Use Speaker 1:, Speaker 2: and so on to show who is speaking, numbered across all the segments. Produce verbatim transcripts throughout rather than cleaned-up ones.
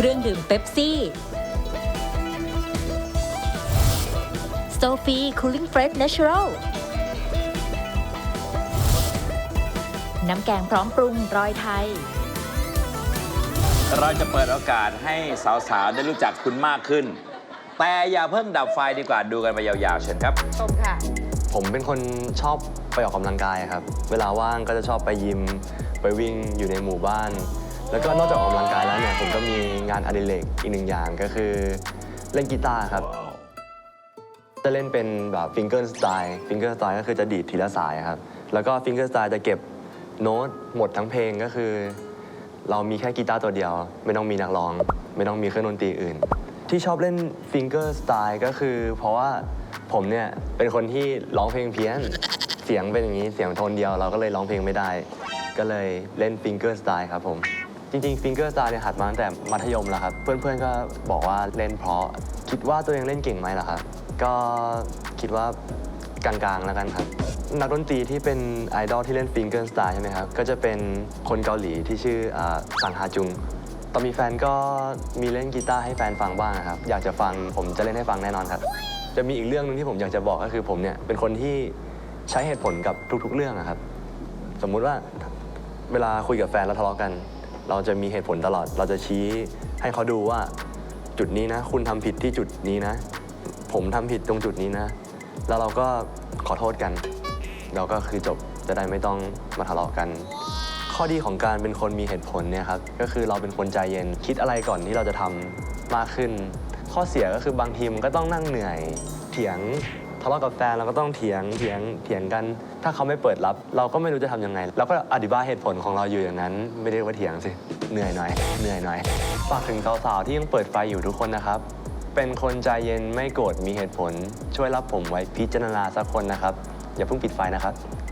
Speaker 1: รื่องดื่มเป๊ปซี่โซฟีคูลิ่งเฟรชเนเชอรัลน้ำแกงพร้อมปรุงรอยไทย
Speaker 2: เราจะเปิดโอกาสให้สาวๆได้รู้จักคุณมากขึ้นแต่อย่าเพิ่งดับไฟดีกว่าดูกันไปยาวๆเชิญครับ
Speaker 3: ชมค่ะ
Speaker 4: ผมเป็นคนชอบไปออกกำลังกายครับเวลาว่างก็จะชอบไปยิมไปวิ่งอยู่ในหมู่บ้านแล้วก็นอกจากออกกำลังกายแล้วเนี่ยผมก็มีงานอดิเรกอีกหนึ่งอย่างก็คือเล่นกีตาร์ครับจะเล่นเป็นแบบฟิงเกิลสไตล์ฟิงเกิลสไตล์ก็คือจะดีดทีละสายครับแล้วก็ฟิงเกิลสไตล์จะเก็บโน้ตหมดทั้งเพลงก็คือเรามีแค่กีตาร์ตัวเดียวไม่ต้องมีนักร้องไม่ต้องมีเครื่องดนตรีอื่นที่ชอบเล่นฟิงเกอร์สไตล์ก็คือเพราะว่าผมเนี่ยเป็นคนที่ร้องเพลงเพี้ยนเสียงเป็นอย่างนี้เสียงโทนเดียวเราก็เลยร้องเพลงไม่ได้ก็เลยเล่นฟิงเกอร์สไตล์ครับผมจริงๆฟิงเกอร์สไตล์เนี่ยหัดมาตั้งแต่มัธยมแล้วครับเพื่อนๆก็บอกว่าเล่นเพราะคิดว่าตัวเองเล่นเก่งไหมล่ะครับก็คิดว่ากลางๆแล้วกันครับนักดนตรีที่เป็นไอดอลที่เล่นฟิงเกอร์สไตล์ใช่ไหมครับก็จะเป็นคนเกาหลีที่ชื่อซังฮาจุงตอนมีแฟนก็มีเล่นกีตาร์ให้แฟนฟังบ้างครับอยากจะฟังผมจะเล่นให้ฟังแน่นอนครับจะมีอีกเรื่องนึงที่ผมอยากจะบอกก็คือผมเนี่ยเป็นคนที่ใช้เหตุผลกับทุกๆเรื่องครับสมมุติว่าเวลาคุยกับแฟนแล้วทะเลาะกันเราจะมีเหตุผลตลอดเราจะชี้ให้เขาดูว่าจุดนี้นะคุณทำผิดที่จุดนี้นะผมทำผิดตรงจุดนี้นะแล้วเราก็ขอโทษกันเราก็คือจบจะได้ไม่ต้องมาทะเลาะกันข้อดีของการเป็นคนมีเหตุผลเนี่ยครับก็คือเราเป็นคนใจเย็นคิดอะไรก่อนที่เราจะทำมากขึ้นข้อเสียก็คือบางทีมันก็ต้องนั่งเหนื่อยเถียงทะเลาะกับแฟนเราก็ต้องเถียงเถียงเถียงกันถ้าเขาไม่เปิดรับเราก็ไม่รู้จะทำยังไงเราก็อธิบายเหตุผลของเราอยู่อย่างนั้นไม่ได้ว่าเถียงสิเหนื่อยหน่อยเหนื่อยหน่อยฝากถึงสาวๆที่ยังเปิดไฟอยู่ทุกคนนะครับเป็นคนใจเย็นไม่โกรธมีเหตุผลช่วยรับผมไว้พิจารณาสักคนนะครับอย่าเพิ่งปิดไฟนะครับ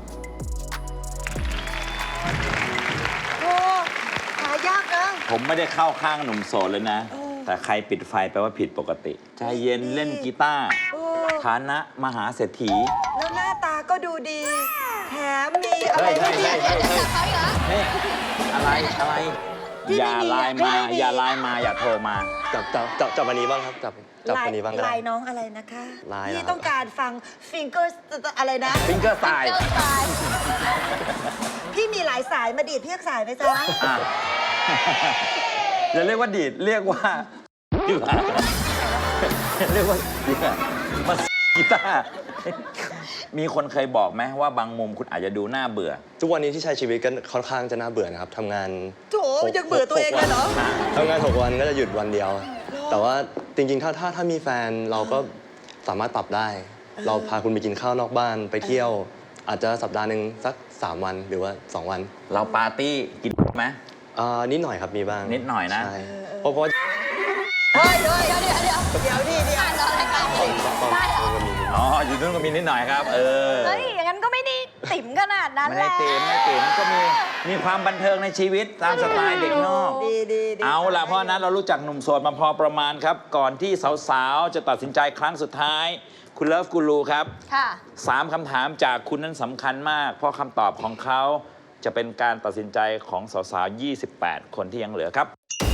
Speaker 3: โอ้หายากนะ
Speaker 2: ผมไม่ได้เข้าข้างหนุ่มโสดเลยนะแต่ใครปิดไฟแปลว่าผิดปกติใจเย็นเล่นกีตาร์ฐานะมหาเศรษฐี
Speaker 3: แล้วหน้าตาก็ดูดีแถมมีอะไรไม่ดี
Speaker 2: นี่อะไรอะไรอย่าไลน์มาอย่าไลน์มาอย่าโทรมา
Speaker 4: จับจับจับจับวันนี้บ้างครับจับจับวันนี้บ้างก็ได้
Speaker 3: ลายน้องอะไรนะคะ
Speaker 4: ลาย
Speaker 3: ที่ต้องการฟังฟิงเกอร์อะไรนะ
Speaker 2: ฟิงเกอร์สไตล์
Speaker 3: พี่มีหลายสายมาดีดพี่สายไหมจ๊ะ
Speaker 2: อย่าเรียกว่าดีดเรียกว่าเรียกว่ามากีตาร์มีคนเคยบอกไหมว่าบางมุมคุณอาจจะดูน่าเบื่อ
Speaker 4: ทุกวันนี้ที่ใช้ชีวิตก็ค่อนข้างจะน่าเบื่อนะครับทำงาน
Speaker 3: โถยังเบื่อตัวเองเลยเหรอ
Speaker 4: ทำงานหกวันก็จะหยุดวันเดียวแต่ว่าจริงๆถ้าถ้าถ้ามีแฟนเราก็สามารถปรับได้เราพาคุณไปกินข้าวนอกบ้านไปเที่ยวอาจจะสัปดาห์หนึ่งสักสามวันหรือว่าสองวัน
Speaker 2: เราปาร์ตี้กินไหม
Speaker 4: อ่านิดหน่อยครับมีบ้าง
Speaker 2: นิดหน่อยนะ
Speaker 4: ใช่เพราะเพราะ
Speaker 3: เฮ้ยเดี๋ยวเดี๋ยวเดี๋ยวเดี๋ยวเดี๋ยวดิเดี๋ยวอ่านรายการ
Speaker 2: ได้เหรออ๋ออยู่นู้นก็มีนิดหน่อยครับเออ
Speaker 5: เฮ้ยอย่างนั้นก็ไม่ได้ติ๋มขนาดนั้นแหละ
Speaker 2: ไม่ได้ติ๋มไม่ติ๋มก็มีมีความบันเทิงในชีวิตตามสไตล์เด็กนอก
Speaker 3: ดีดี
Speaker 2: เอาล่ะเพราะนั้นเรารู้จักหนุ่มโสดมาพอประมาณครับก่อนที่สาวๆจะตัดสินใจครั้งสุดท้ายคุณเลิฟกูรูครับ
Speaker 5: ค่ะ
Speaker 2: สามคำถามจากคุณนั้นสำคัญมากเพราะคำตอบของเขาจะเป็นการตัดสินใจของสาวๆยี่สิบแปดคนที่ยังเหลือครับ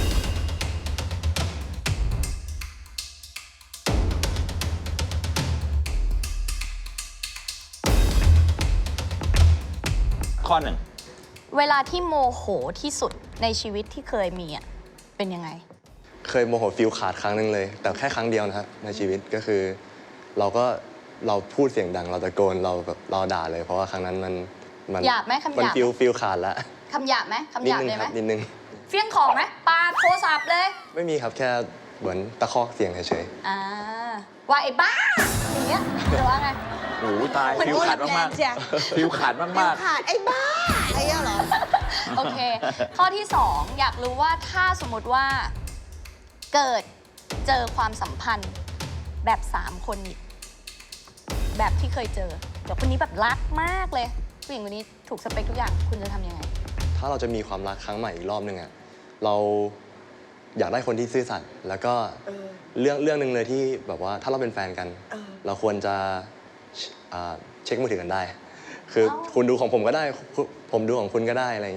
Speaker 2: ข้อหนึ่ง
Speaker 5: เวลาที่โมโหที่สุดในชีวิตที่เคยมีอ่ะเป็นยังไง
Speaker 4: เคยโมโหฟิลขาดครั้งหนึ่งเลยแต่แค่ครั้งเดียวนะครับในชีวิตก็คือเราก็เราพูดเสียงดังเราตะโกนเราแบบเราด่าเลยเพราะว่าครั้งนั้นมันมัน
Speaker 5: หยาบไหมคำหยาบ
Speaker 4: มันฟิลฟิลขาดแล้ว
Speaker 5: คำหยาบไหมคำหยาบเลยไหม
Speaker 4: นิดนึง
Speaker 5: เฟี้ยงของไหมปาโทรศัพท์เลย
Speaker 4: ไม่มีครับแค่เหมือนตะคอกเสียงเฉย
Speaker 5: ๆอ่าว่าไอ้บ้าอย่างเงี้ยหรือว่าไง
Speaker 2: โอ้ตายฟิวขาดมากๆฟิวขาดมาก
Speaker 3: ๆขาดไอ้บ้าไอ้เงี้ยเหรอ
Speaker 5: โอเคข้อที่สองอยากรู้ว่าถ้าสมมติว่าเกิดเจอความสัมพันธ์แบบสามคนอีกแบบที่เคยเจอเดี๋ยวคนนี้แบบรักมากเลยผู้หญิงคนนี้ถูกสเปคทุกอย่างคุณจะทำยังไง
Speaker 4: ถ้าเราจะมีความรักครั้งใหม่อีกรอบนึงอะเราอยากได้คนที่ซื่อสัตย์แล้วก็เรื่องเรื่องหนึ่งเลยที่แบบว่าถ้าเราเป็นแฟนกันเราควรจะเช็คมือถือกันได้คือคุณดูของผมก็ได้ผมดูของคุณก็ได้อะไรอย่างเงี้ย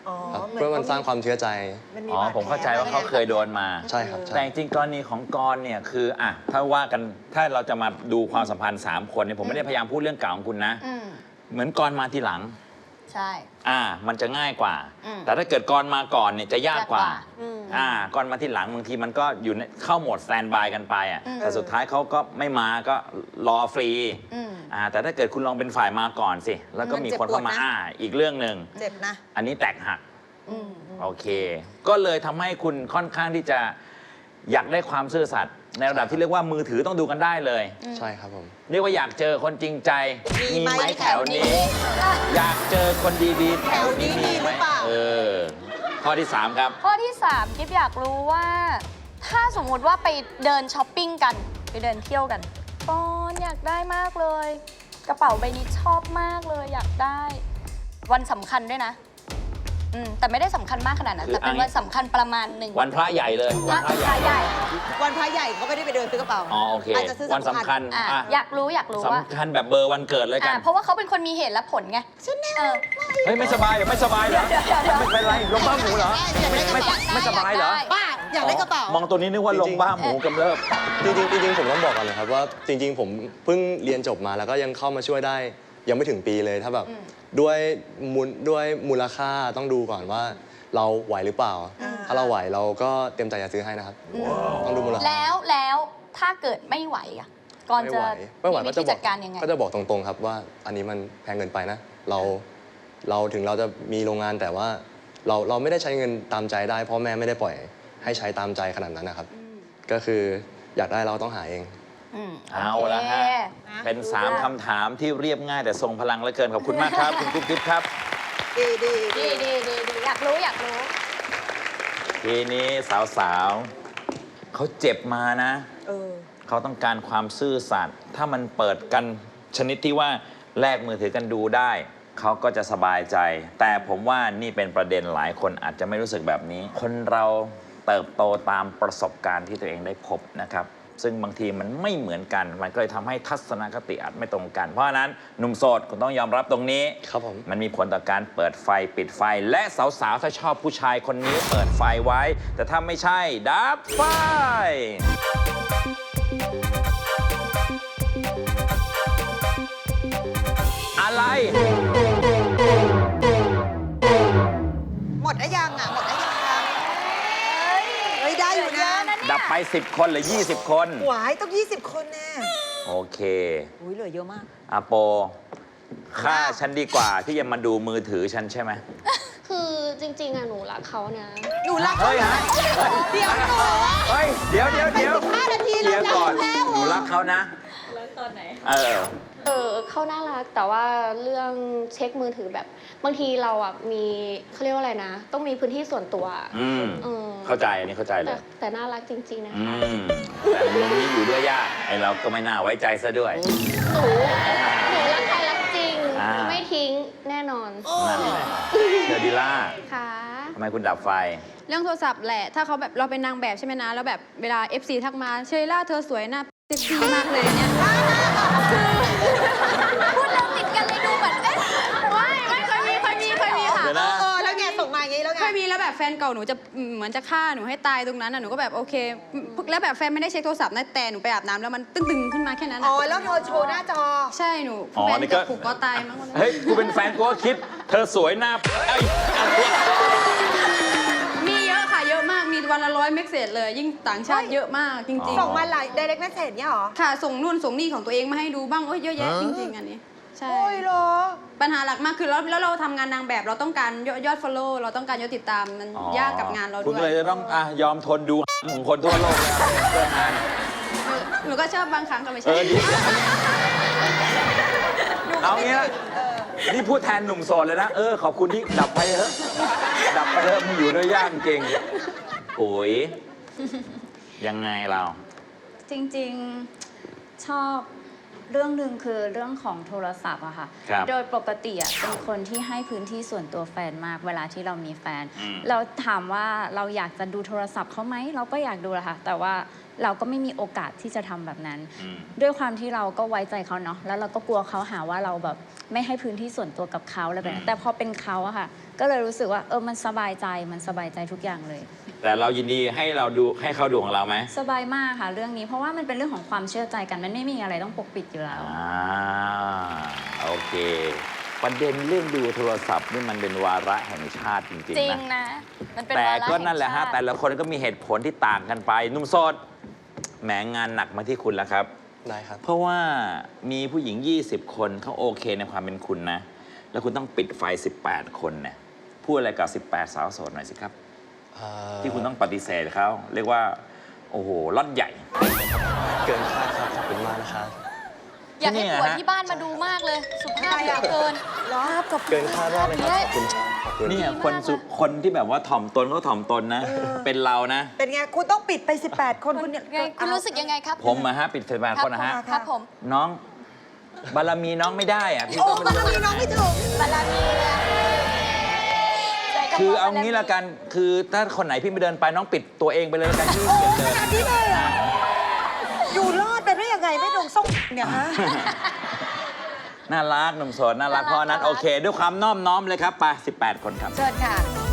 Speaker 3: อ๋อ
Speaker 4: ครับ
Speaker 3: หมื
Speaker 4: เพื่อมันสร้างความเชื่อใจ
Speaker 3: มันมี
Speaker 2: อ๋อบ
Speaker 3: ดแผล
Speaker 2: ผมเข้าใจว่าเขาเคยโดนมา
Speaker 4: ใช่ครับใช่
Speaker 2: แต่จริงๆกรณีของกรณ์เนี่ยคืออ่ะถ้าว่ากันถ้าเราจะมาดูความสัมพันธ์ 3 คนเนี่ยผมไม่ได้พยายามพูดเรื่องเก่าของคุณนะ
Speaker 5: อืม
Speaker 2: เหมือนกรณ์มาทีหลัง
Speaker 5: ใช่
Speaker 2: อ่า มันจะง่ายกว่า
Speaker 5: อืม
Speaker 2: แต่ถ้าเกิดกรณ์มาก่อนเนี่ยจะยากกว่า
Speaker 5: ยากกว่า
Speaker 3: อืม
Speaker 2: อ่ากรณ์มาทีหลังบางทีมันก็อยู่ในเข้าโหมดสแตนบายกันไปอ่ะ
Speaker 5: อืม
Speaker 2: แต่สุดท้ายเขาก็ไม่มาก็รอฟรี
Speaker 5: อืม
Speaker 2: อ่าแต่ถ้าเกิดคุณลองเป็นฝ่ายมาก่อนสิ แล้วก็มีคนเข้ามาอ่าอีกเรื่องหนึ่ง
Speaker 3: เจ็บนะ
Speaker 2: อันนี้แตกหัก
Speaker 5: อืม
Speaker 2: โอเค ก็เลยทำให้คุณค่อนข้างที่จะอยากได้ความซื่อสัตย์ในระดับที่เรียกว่ามือถือต้องดูกันได้เลย
Speaker 4: ใช่ครับผม
Speaker 2: เรียกว่าอยากเจอคนจริงใจ
Speaker 3: มีไหม
Speaker 2: แถวนี้ อยากเจอคนดีๆ แถวนี้
Speaker 3: แถวนี้มีหรือเปล่า
Speaker 2: เออ ข้อที่สามครับ
Speaker 5: ข้อที่สามกิ๊บอยากรู้ว่า ถ้าสมมุติว่าไปเดินช้อปปิ้งกัน ไปเดินเที่ยวกันปอนอยากได้มากเลย กระเป๋าใบนี้ชอบมากเลยอยากได้ วันสำคัญด้วยนะ อืมแต่ไม่ได้สำคัญมากขนาดนั้น
Speaker 2: คือ
Speaker 5: แต่เป็น
Speaker 2: อัน
Speaker 5: วันสำคัญประมาณหนึ่ง
Speaker 2: วันพระใหญ่เลย
Speaker 5: พระ
Speaker 2: วันพระใหญ่
Speaker 5: ใหญ่
Speaker 3: วันพระใหญ่ก็ไม่ได้ไปเดินซื้อกระเป๋า
Speaker 2: อ๋อโอเค
Speaker 3: อาจจะซื้อ
Speaker 2: วันสำคัญ
Speaker 5: อ่ะ
Speaker 2: อ่ะ
Speaker 5: อยากรู้อยากรู้ว่า
Speaker 2: สำคัญแบบเบอร์วันเกิดเลยกั
Speaker 5: อ่ะ
Speaker 2: น
Speaker 5: เพราะว่าเขาเป็นคนมีเหตุและผลไงเออ
Speaker 2: เฮ้ยไม่สบายเหรอไม่สบายเหรอ
Speaker 5: เดี๋ยวเดี๋ยวเดี๋ยว
Speaker 2: ไม่เป็นไรลงบ้าหมูเหรอ
Speaker 3: อยากได้กระ
Speaker 2: ไม่
Speaker 3: เป๋า
Speaker 2: ไม่สบายเหรอ
Speaker 5: อยากได้
Speaker 3: บ้าอยากได้กระเป๋า
Speaker 2: มองตัวนี้นึกว่าลงบ้าหมูกำเริบ
Speaker 4: จริงๆจริงๆผมต้องบอกก่อนนะครับว่าจริง ๆ ผมเพิ่งเรียนจบมาแล้วก็ยังเข้ามาช่วยได้ ยังไม่ถึงปีเลยถ้าแบบด้วยมูลด้วยมูลค่าต้องดูก่อนว่าเราไหวหรือเปล่า
Speaker 3: อ่า
Speaker 4: ถ้าเราไหวเราก็เตรียมใจจะซื้อให้นะครับต้องดูมูลค่า
Speaker 5: แล้วแล้วถ้าเกิดไม่ไหวอ่ะก่อน
Speaker 4: ไม่
Speaker 5: จะ
Speaker 4: ไหวไม่ไหว
Speaker 5: มี
Speaker 4: ก็
Speaker 5: วิ
Speaker 4: จะ
Speaker 5: ธี
Speaker 4: บอ
Speaker 5: จั
Speaker 4: ก
Speaker 5: ดการยังไง
Speaker 4: ก็จะบอกตรงๆครับว่าอันนี้มันแพงเกินไปนะ เราเราถึงเราจะมีโรงงานแต่ว่าเราเราไม่ได้ใช้เงินตามใจได้พ่อแม่ไม่ได้ปล่อยให้ใช้ตามใจขนาดนั้นนะครับ ก็คืออยากได้เราต้องหาเอง
Speaker 5: อืม
Speaker 2: เอาละฮะ
Speaker 5: โอเค
Speaker 2: เป็น 3คำถามที่เรียบง่ายแต่ทรงพลังเหลือเกิน ขอบคุณมากครับ คุณกุ๊บกิ๊บครับ
Speaker 3: ดีดีดี
Speaker 5: ดีดีดีดีอยากรู้อยากรู้
Speaker 2: ทีนี้สาวๆ เขาเจ็บมานะ
Speaker 3: เออ
Speaker 2: เขาต้องการความซื่อสัตย์ถ้ามันเปิดกันชนิดที่ว่าแลกมือถือกันดูได้ เขาก็จะสบายใจ แต่ผมว่านี่เป็นประเด็นหลายคนอาจจะไม่รู้สึกแบบนี้ คนเราเติบโตตามประสบการณ์ที่ตัวเองได้พบนะครับ ซึ่งบางทีมันไม่เหมือนกัน มันก็เลยทำให้ทัศนคติอาจไม่ตรงกัน เพราะฉะนั้นหนุ่มโสดคุณต้องยอมรับตรงนี้
Speaker 4: ครับผม
Speaker 2: มันมีผลต่อการเปิดไฟปิดไฟ และสาวๆ ถ้าชอบผู้ชายคนนี้เปิดไฟไว้ แต่ถ้าไม่ใช่ ดับไฟ อะไร
Speaker 3: หมดได้ยังอ่ะ หมดได้ยังเฮ้ย ได้อยู่นะ
Speaker 2: ดับไป สิบ คนหรือ ยี่สิบ คน
Speaker 3: หวายต้องยี่สิบคนแน่
Speaker 2: โอเค
Speaker 3: อุ้ยเหลือเยอะมาก
Speaker 2: อาโปฆ่าฉันดีกว่าที่จะมาดูมือถือฉันใช่ไหม
Speaker 6: คือจริงๆอะหนูรักเขานะ
Speaker 3: หนูรักเขา
Speaker 2: เฮ้ยฮะ
Speaker 3: เดี๋ยวหนู
Speaker 2: เฮ้ย เดี๋ยวเดี๋ยวเดี๋ยว
Speaker 3: ไปสิบห้านาที
Speaker 2: เคลียร์ก่อน
Speaker 3: แล้ว
Speaker 2: หนูรักเขานะ
Speaker 1: รักตอนไหน
Speaker 2: เออ
Speaker 6: เออเขาน่ารักแต่ว่าเรื่องเช็คมือถือแบบ บางทีเราอะมีเขาเรียกว่าอะไรนะ ต้องมีพื้นที่ส่วนตัวอะ
Speaker 2: อืม
Speaker 6: เออ
Speaker 2: เข้าใจอันนี้เข้าใจเล
Speaker 6: แต่
Speaker 2: ย
Speaker 6: แต่น่ารักจริงๆนะ
Speaker 2: อื
Speaker 6: คะ
Speaker 2: ม แต่มุมนี้อยู่ด้วยยากไอเราก็ไม่น่าไว้ใจซะด้วย
Speaker 6: หนูหนูรักใครรักจริง
Speaker 2: อ่า
Speaker 6: ไม่ทิ้งแน่นอน
Speaker 2: นั่นแหละเชอร์ดิล่า
Speaker 6: ค่ะ
Speaker 2: ทำไมคุณดับไฟ
Speaker 7: เรื่องโทรศัพท์แหละ ถ้าเขาแบบเราเป็นนางแบบใช่ไหมนะ แล้วแบบเวลา เอฟ ซี ทักมา เชยล่าเธอสวยหน้าเซ็กซี่มากเลยเนี่ย
Speaker 5: พูดเรื่องติดกันเลยดูเหมือนเอ๊ะ
Speaker 7: ไม่ไม่เคยมีเคยมีเคยมีค่ะ
Speaker 2: เดี๋ยว
Speaker 3: เอ
Speaker 2: นะ
Speaker 3: อเออแล้วไงส่งมาอย่างงี้แล้วไง
Speaker 7: เคยมีแล้วแบบแฟนเก่าหนูจะอืมเหมือนจะฆ่าหนูให้ตายตรงนั้นน่ะหนูก็แบบโอเค แล้วแบบแฟนไม่ได้เช็คโทรศัพท์นะแต่หนูไปอาบน้ำแล้วมันตึงๆขึ้นมาแค่นั้น
Speaker 3: อ๋
Speaker 7: น่ะ
Speaker 3: อ แล้วเธอโชว์หน้าจอ
Speaker 7: ใช่หนู
Speaker 2: อ๋อ
Speaker 7: แฟน
Speaker 2: นี่ก็
Speaker 7: จะผูกคอตายมั้งวันนั้น
Speaker 2: เฮ้ย กูเป็นแฟนกูก็คิด เธอสวยหน้าเอ้ย
Speaker 7: มีเยอะค่ะเยอะมากมีวันละร้อยเมกเซจเลยยิ่งต่างชาติเยอะมากจริง
Speaker 3: ส่งมาหลาย direct message เนี่ยเหรอ
Speaker 7: ๆ ค่ะส่งนู่นส่งนี่ของตัวเองมาให้ดูบ้างโอ้ยเยอะแยะจริงๆอันนี้ใช่
Speaker 3: โอ้ยเหรอ
Speaker 7: ปัญหาหลักมากคือแล้วแล้วเราทำงานนางแบบเราต้องการยอดยอด follow เราต้องการยอดติดตามมัน
Speaker 2: อ๋อย
Speaker 7: ากกับงานเรา
Speaker 2: คุณ
Speaker 7: ด้
Speaker 2: ก็
Speaker 7: ว
Speaker 2: เลย ยจะต้องอ่ะยอมทนดูของคนทั่วโลกแล้วเพื่องาน
Speaker 7: หนูก็ชอบบางครั้งก็ไม่
Speaker 2: เอ
Speaker 7: ใช่
Speaker 2: อดี เอางี้ละนี่พูดแทนหนุ่มโสดเลยนะ เออ ขอบคุณที่ดับไปเถอะ ดับไปเถอะมึงอยู่ด้วยยากจริงปุ๋ย ยังไงเรา
Speaker 1: จริงๆชอบเรื่องหนึ่งคือเรื่องของโทรศัพท์อะค่ะ
Speaker 2: ครับ
Speaker 1: โดยปกติอะเป็นคนที่ให้พื้นที่ส่วนตัวแฟนมากเวลาที่เรามีแฟน
Speaker 2: อืม
Speaker 1: เราถามว่าเราอยากจะดูโทรศัพท์เขาไหมเราก็อยากดูแหละค่ะ แต่ว่าเราก็ไม่มีโอกาสที่จะทำแบบนั้น
Speaker 2: อืม
Speaker 1: ด้วยความที่เราก็ไว้ใจเขาเนาะแล้วเราก็กลัวเขาหาว่าเราแบบไม่ให้พื้นที่ส่วนตัวกับเขาอะไรแบบนั้นแต่พอเป็นเขาอะค่ะก็เลยรู้สึกว่าเออมันสบายใจมันสบายใจทุกอย่างเลย
Speaker 2: แต่เรายินดีให้เราดูให้เขาดูของเราไหม
Speaker 1: สบายมากค่ะเรื่องนี้เพราะว่ามันเป็นเรื่องของความเชื่อใจกันมันไม่มีอะไรต้องปกปิดอยู่แล้ว
Speaker 2: อ่าโอเค ประเด็นเรื่องดูโทรศัพท์นี่มันเป็นวาระแห่งชาติจริง
Speaker 5: จริง
Speaker 2: ๆนะ
Speaker 5: นะ มันเป็น
Speaker 2: แต่
Speaker 5: วาระ
Speaker 2: ก็นั่นแหละฮะ
Speaker 5: งชาติ
Speaker 2: แต่ละคนก็มีเหตุผลที่ต่างกันไปหนุ่มโสดแหมงานหนักมาที่คุณแล้วครับ
Speaker 4: ได้ครับ
Speaker 2: เพราะว่ามีผู้หญิง ยี่สิบ คนเขาโอเคในความเป็นคุณนะ แล้วคุณต้องปิดไฟ สิบแปด คนเนี่ยพูดอะไรกับ สิบแปด สาวโสดหน่อยสิครับ
Speaker 4: เอ่อ
Speaker 2: ที่คุณต้องปฏิเสธเขาเรียกว่า โอ้โหล่อนใหญ่
Speaker 4: เกินคาดครับ ขอบคุณมากนะครับ
Speaker 5: อยากให้
Speaker 2: เนี่ย
Speaker 5: ผัว
Speaker 2: ฮะ
Speaker 5: ที่บ้านมาดูมากเลย สุภาพเหลือเกิน
Speaker 4: เกินคาดมากเลยครับ ขอบคุณครับขอบคุณ
Speaker 2: เนี่ยคนสุคนที่แบบว่าถ่อมตนเขาถ่อมตนนะ เป็นเรานะ
Speaker 3: เป็นไง คุณต้องปิดไป สิบแปด คนคุณเนี่ย
Speaker 5: ไงคุณรู้สึกยังไงครับ
Speaker 2: ผมอะฮะปิดไฟบ้านคนนะฮะ
Speaker 5: ครับครับผม
Speaker 2: น้องบารมีน้องไม่ได้อะพี่
Speaker 3: โอ้
Speaker 2: ก็
Speaker 3: บาร
Speaker 2: ไม่
Speaker 3: มี
Speaker 2: รู้
Speaker 3: น้องไม่ถึง
Speaker 5: บารมีนะใจกระ
Speaker 2: คือ
Speaker 5: พะ
Speaker 2: เอา
Speaker 5: บรมี
Speaker 2: งี้ละกัน คือถ้าคนไหนพี่ไม่เดินไปน้องปิดตัวเองไปเลยละกันที่เกียจเดิน
Speaker 3: ขนาดนี้เลยเหรอ อยู่รอดไปได้ยังไงไม่โดนส่งเนี่ยฮะ
Speaker 2: น่ารักหนุ่มโสดน่ารักเพราะฉะนั้นโอเค ด้วยความน้อมน้อมเลยครับไปสิบแปด คนครับ
Speaker 5: เชิญค่ะ